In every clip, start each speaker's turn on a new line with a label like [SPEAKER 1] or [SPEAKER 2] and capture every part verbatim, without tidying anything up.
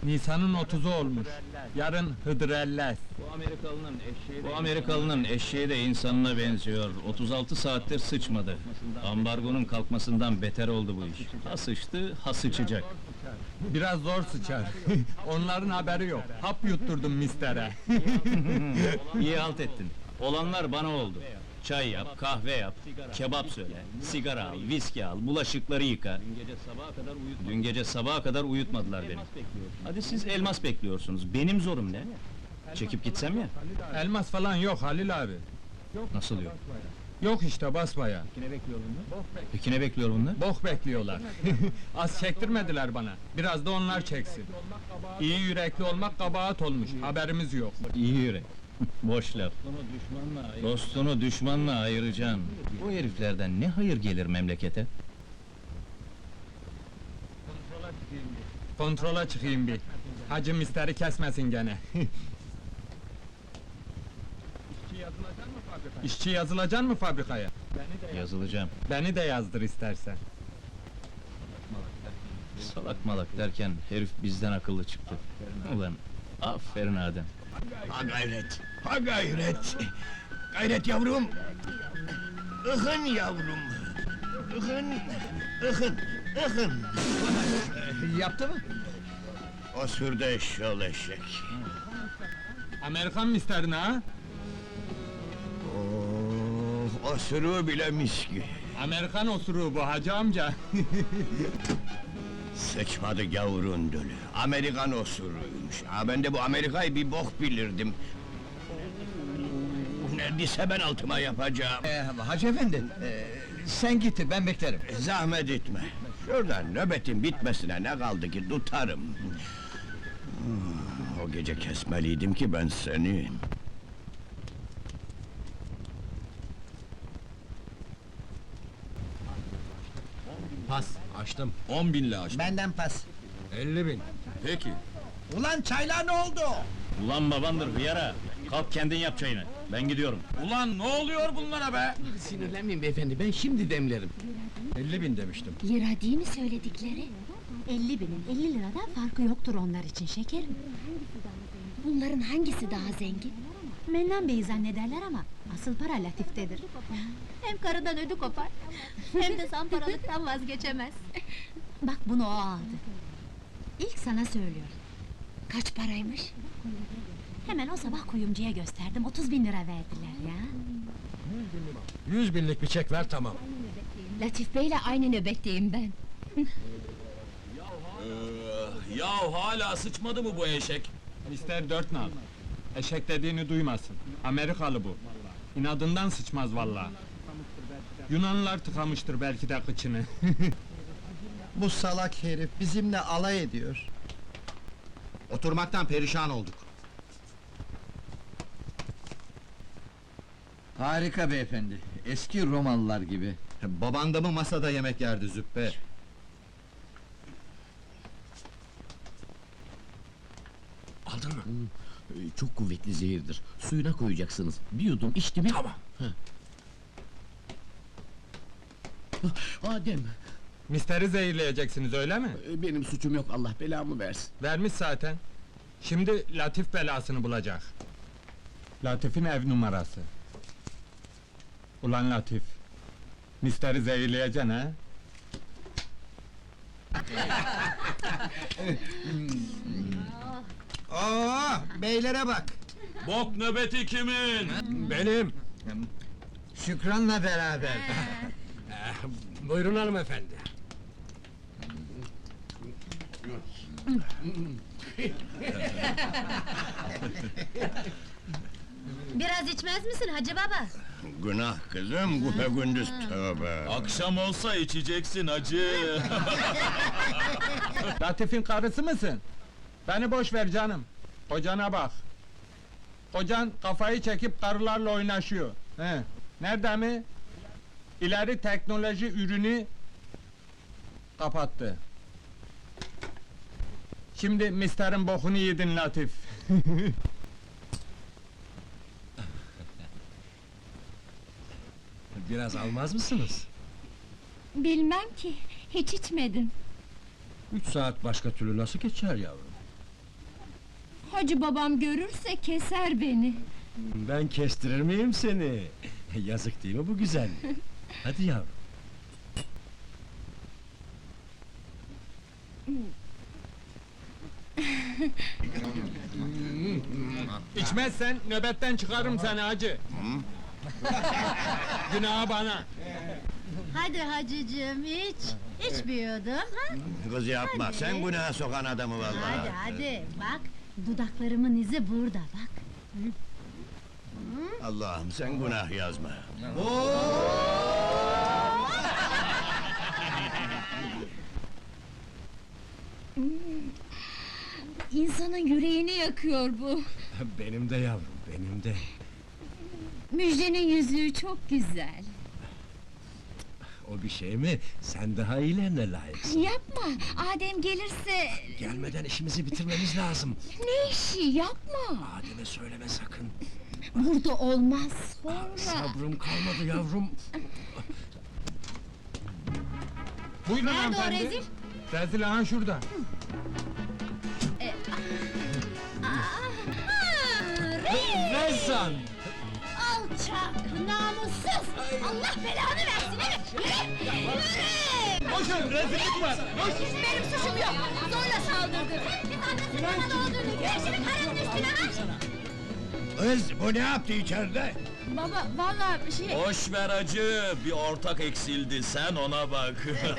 [SPEAKER 1] Nisan'ın otuzu olmuş. Yarın Hıdrellez.
[SPEAKER 2] Bu Amerikalının eşeği de... Bu Amerikalının eşeği de insanına benziyor. otuz altı saattir sıçmadı. Ambargonun kalkmasından beter oldu bu iş. Ha sıçtı, ha sıçacak.
[SPEAKER 1] Biraz zor sıçar. Onların haberi yok. Hap yutturdum mistere.
[SPEAKER 2] İyi halt ettin. Olanlar bana oldu. Çay yap, kahve yap, kebap söyle, sigara al, viski al, bulaşıkları yıka. Dün gece sabaha kadar uyutmadılar beni. Hadi siz elmas bekliyorsunuz, benim zorum ne? Çekip gitsem ya?
[SPEAKER 1] Elmas falan yok Halil abi.
[SPEAKER 2] Nasıl yok?
[SPEAKER 1] Yok işte basbaya.
[SPEAKER 2] Peki ne bekliyor bunlar?
[SPEAKER 1] Bok bekliyorlar. Az çektirmediler bana. Biraz da onlar çeksin. İyi yürekli olmak kabahat olmuş. Haberimiz yok.
[SPEAKER 2] İyi yürek. Boş laf. Dostunu düşmanla ayıracaksın. Bu heriflerden ne hayır gelir memlekete?
[SPEAKER 1] Kontrola çıkayım bir. Hacı misteri kesmesin gene. İşçi yazılacak mı fabrikaya?
[SPEAKER 2] Yazılacağım.
[SPEAKER 1] Beni de yazdır istersen.
[SPEAKER 2] Salak malak derken herif bizden akıllı çıktı. Ulan, aferin Adem.
[SPEAKER 3] Ha gayret, ha gayret! Gayret yavrum! Ihın yavrum! Ihın, ıhın, ıhın!
[SPEAKER 4] Yaptı mı?
[SPEAKER 3] O sürdü eşşoğlu eşek!
[SPEAKER 1] Amerikan misterini ha?
[SPEAKER 3] Oh, o sürü bile miski!
[SPEAKER 1] Amerikan osuruğu bu hacı amca.
[SPEAKER 3] Sıçmadı gavurun dölü, Amerikan osuruymuş! Ha ben de bu Amerika'yı bir bok bilirdim! Neredeyse ben altıma yapacağım!
[SPEAKER 4] Ee, Hacı efendi, ee, sen git, ben beklerim.
[SPEAKER 3] Zahmet etme! Şuradan nöbetin bitmesine ne kaldı ki tutarım! O gece kesmeliydim ki ben seni!
[SPEAKER 5] Pas, açtım. On binle açtım.
[SPEAKER 4] Benden pas.
[SPEAKER 5] Elli bin. Peki.
[SPEAKER 4] Ulan çaylar ne oldu?
[SPEAKER 2] Ulan babandır hıyara! Kalk kendin yap çayını, ben gidiyorum.
[SPEAKER 5] Ulan ne oluyor bunlara be?
[SPEAKER 6] Sinirlenmeyin beyefendi, ben şimdi demlerim.
[SPEAKER 5] Elli bin demiştim.
[SPEAKER 7] Lira değil mi söyledikleri? elli binin elli liradan farkı yoktur onlar için şekerim. Bunların hangisi daha zengin? Mennan Bey'i zannederler ama asıl para Latif'tedir. Hem karıdan ödü kopar, hem de zamparalıktan vazgeçemez. Bak bunu o aldı. İlk sana söylüyorum. Kaç paraymış? Hemen o sabah kuyumcuya gösterdim, otuz bin lira verdiler ya.
[SPEAKER 5] Yüz binlik bir çek ver tamam.
[SPEAKER 7] Latif Bey'le aynı nöbetteyim ben.
[SPEAKER 5] Yahu hala sıçmadı mı bu eşek?
[SPEAKER 1] Mister dört nal. Eşek dediğini duymasın. Amerikalı bu. İnadından sıçmaz vallahi. Yunanlılar tıkamıştır belki de kıçını.
[SPEAKER 4] Bu salak herif bizimle alay ediyor.
[SPEAKER 6] Oturmaktan perişan olduk.
[SPEAKER 4] Harika beyefendi, eski Romalılar gibi.
[SPEAKER 6] Baban da mı masada yemek yerdi züppe?
[SPEAKER 8] Aldın mı? Çok kuvvetli zehirdir. Suyuna koyacaksınız. Bir yudum içti mi?
[SPEAKER 5] Tamam.
[SPEAKER 8] Adem,
[SPEAKER 1] Misteri zehirleyeceksiniz öyle mi?
[SPEAKER 8] benim suçum yok, Allah belamı versin.
[SPEAKER 1] Vermiş zaten. Şimdi Latif belasını bulacak. Latif'in ev numarası. Ulan Latif, misteri zehirleyeceksin ha?
[SPEAKER 4] Oo, beylere bak!
[SPEAKER 5] Bok nöbeti kimin? Benim.
[SPEAKER 4] Şükran'la beraber.
[SPEAKER 5] Buyurun hanımefendi.
[SPEAKER 7] Biraz içmez misin Hacı Baba?
[SPEAKER 3] Günah kızım, güpe gündüz tövbe!
[SPEAKER 5] Akşam olsa içeceksin hacı.
[SPEAKER 1] Latif'in karısı mısın? Beni boş ver canım. Kocana bak. Kocan kafayı çekip karılarla oynaşıyor. He. Nerede mi? İleri teknoloji ürünü kapattı. Şimdi misterin bokunu yedin Latif.
[SPEAKER 5] Biraz almaz mısınız?
[SPEAKER 7] Bilmem ki, hiç içmedim.
[SPEAKER 5] Üç saat başka türlü nasıl geçer yavrum?
[SPEAKER 7] Hacı babam görürse keser beni.
[SPEAKER 5] Ben kestirir miyim seni? Yazık değil mi bu güzel? Hadi yavrum.
[SPEAKER 1] İçmezsen nöbetten çıkarım seni hacı. Günahı bana.
[SPEAKER 7] Hadi hacıcığım iç. İçmiyordum ha?
[SPEAKER 3] Kız yapma,
[SPEAKER 7] Hadi.
[SPEAKER 3] sen günaha sokan adamı vallahi.
[SPEAKER 7] Hadi hadi bak. Dudaklarımın izi burada bak.
[SPEAKER 3] Allah'ım sen günah yazma.
[SPEAKER 7] İnsanın yüreğini yakıyor bu.
[SPEAKER 5] Benim de yavrum, benim de.
[SPEAKER 7] Müjdenin yüzüğü çok güzel.
[SPEAKER 5] O bir şey mi? Sen daha iyilerine layıksın.
[SPEAKER 7] Yapma, Adem gelirse...
[SPEAKER 5] Gelmeden işimizi bitirmemiz lazım.
[SPEAKER 7] Ne işi yapma!
[SPEAKER 5] Adem'e söyleme sakın.
[SPEAKER 7] Burada olmaz, sonra...
[SPEAKER 5] Sabrım kalmadı yavrum.
[SPEAKER 1] Buyurun
[SPEAKER 7] Nerede o
[SPEAKER 1] hanımefendi.
[SPEAKER 7] rezil?
[SPEAKER 1] Rezil aha şurada.
[SPEAKER 5] Rezan!
[SPEAKER 7] Alçak, namussuz! Allah belanı versin, evet! Yürü! Yürü!
[SPEAKER 1] Koşun rezillik var.
[SPEAKER 7] Benim suçum yok! Zorla saldırdı! Biz annesini bana doldurdu! Güneşimi karın üstüne ha!
[SPEAKER 3] Kız bu ne yaptı içeride?
[SPEAKER 7] Baba, vallahi şey...
[SPEAKER 2] Boş ver acı, bir ortak eksildi, sen ona bak.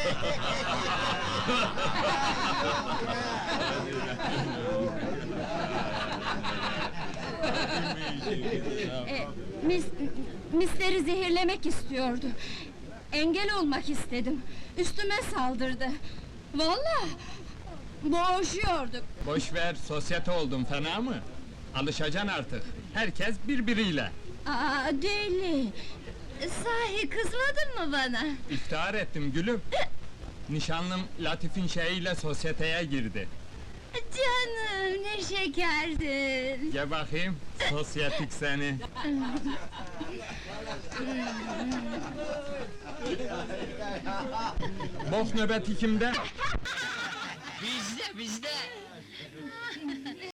[SPEAKER 7] E, mis, misleri zehirlemek istiyordu. Engel olmak istedim. Üstüme saldırdı. Vallahi boğuşuyorduk.
[SPEAKER 1] Boş ver, sosyete oldun fena mı? Alışacaksın artık. Herkes birbiriyle.
[SPEAKER 7] Aa, deli! Sahi kızmadın mı bana?
[SPEAKER 1] İftihar ettim gülüm. Nişanlım Latif'in şeyiyle sosyeteye girdi.
[SPEAKER 7] Canım, ne şekerdin!
[SPEAKER 1] Gel bakayım, sosyetik seni. Bok nöbeti kimde?
[SPEAKER 8] Bizde bizde.